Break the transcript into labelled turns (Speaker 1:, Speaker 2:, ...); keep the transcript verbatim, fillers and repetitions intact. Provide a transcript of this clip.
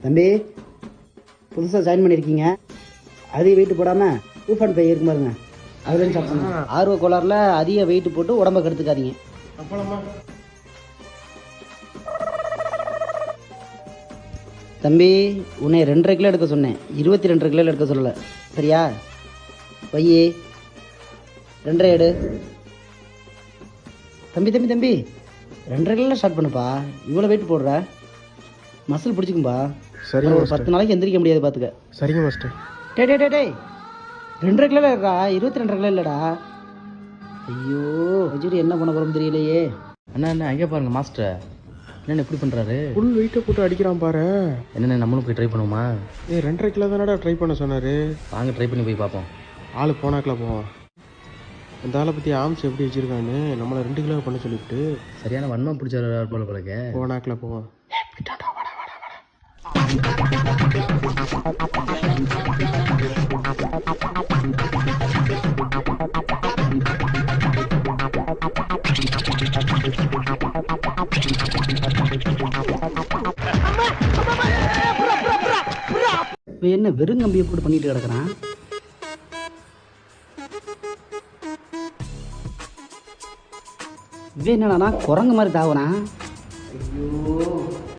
Speaker 1: தம்பி புதுசாக ஜாயின் பண்ணியிருக்கீங்க, அதிக வெயிட் போடாமல் ஊஃப் அண்ட் பை இருக்கும் பாருங்க, அதுலேருந்து சாப்பிடணும். ஆர்வ கோளாறுல அதிக வெயிட் போட்டு உடம்ப கெடுத்துக்காதீங்க. தம்பி உன்னை ரெண்டரை கிலோ எடுக்க சொன்னேன், இருபத்தி ரெண்டரை கிலோ எடுக்க சொல்லலை, சரியா? பையே ரெண்டரை எடு. தம்பி தம்பி தம்பி ரெண்டரை கிலோ ஸ்டார்ட் பண்ணுப்பா, இவ்வளோ வெயிட் போடுற, மசில் பிடிச்சிக்கும்பா.
Speaker 2: சரிங்க,
Speaker 1: ஒரு பத்து நாளைக்கு எந்திரிக்க முடியாது பார்த்துக்க.
Speaker 2: சரிங்க மாஸ்டர்.
Speaker 1: டே டே டே டே ரெண்டரை கிலோ இருக்கா, இருபத்தி ரெண்டரை கிலோ இல்லைடா. ஐயோ வஜூரி என்ன பண்ண போகிறோம் தெரியலையே.
Speaker 3: அண்ணா என்ன அங்கே பாருங்க மாஸ்டர், என்னென்ன எப்படி பண்ணுறாரு,
Speaker 2: ஃபுல் வெயிட்டை போட்டு அடிக்கிறான் பாரு.
Speaker 3: என்னென்ன நம்மளும் போய் ட்ரை பண்ணுவோமா?
Speaker 2: ஏ ரெண்டரை கிலோ தானடா ட்ரை பண்ண சொன்னார்.
Speaker 3: வாங்க ட்ரை பண்ணி போய் பார்ப்போம்.
Speaker 2: ஆள் போனாக்கில் போவான். அந்த ஆளை பற்றி ஆம்ஸ் எப்படி வச்சுருக்கான்னு நம்மளை ரெண்டு கிலோ பண்ண சொல்லிவிட்டு
Speaker 3: சரியான வன்மம் பிடிச்ச போல போலக்க
Speaker 2: போனாக்கில் போவான்.
Speaker 1: என்ன வெறும் கம்பியை போட்டு பண்ணிட்டு கிடக்குறான். இவன் என்னடா குரங்கு மாதிரி தாவனா. ஐயோ